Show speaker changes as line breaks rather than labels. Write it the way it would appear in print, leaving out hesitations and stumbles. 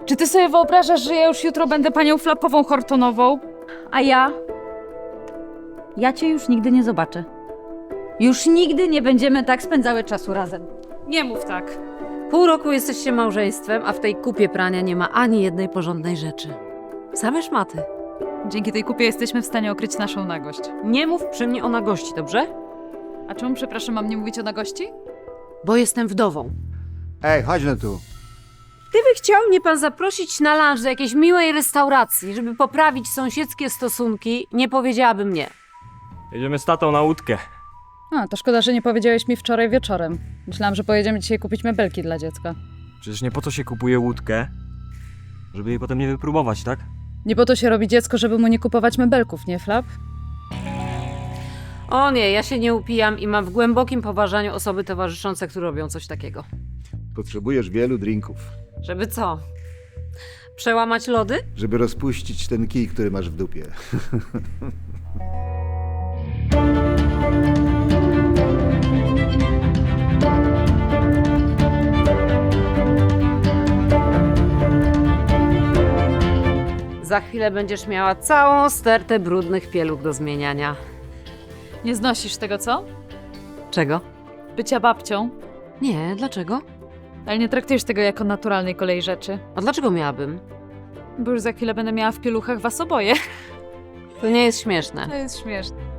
Czy ty sobie wyobrażasz, że ja już jutro będę panią Flapową Hortonową?
A ja? Ja cię już nigdy nie zobaczę. Już nigdy nie będziemy tak spędzały czasu razem.
Nie mów tak.
Pół roku jesteście małżeństwem, a w tej kupie prania nie ma ani jednej porządnej rzeczy. Same szmaty.
Dzięki tej kupie jesteśmy w stanie okryć naszą nagość.
Nie mów przy mnie o nagości, dobrze?
A czemu, przepraszam, mam nie mówić o nagości?
Bo jestem wdową.
Ej, chodź no tu.
Gdyby chciał mnie pan zaprosić na lunch do jakiejś miłej restauracji, żeby poprawić sąsiedzkie stosunki, nie powiedziałabym nie.
Jedziemy z tatą na łódkę.
A, to szkoda, że nie powiedziałeś mi wczoraj wieczorem. Myślałam, że pojedziemy dzisiaj kupić mebelki dla dziecka.
Przecież nie po to się kupuje łódkę, żeby jej potem nie wypróbować, tak?
Nie po to się robi dziecko, żeby mu nie kupować mebelków, nie, Flap?
O nie, ja się nie upijam i mam w głębokim poważaniu osoby towarzyszące, które robią coś takiego.
Potrzebujesz wielu drinków,
Żeby co? Przełamać lody?
żeby rozpuścić ten kij, który masz w dupie.
Za chwilę będziesz miała całą stertę brudnych pieluch do zmieniania.
Nie znosisz tego, co?
Czego?
Bycia babcią.
Nie, dlaczego?
Ale nie traktujesz tego jako naturalnej kolei rzeczy.
A dlaczego miałabym?
Bo już za chwilę będę miała w pieluchach was oboje.
To nie jest śmieszne.
To jest śmieszne.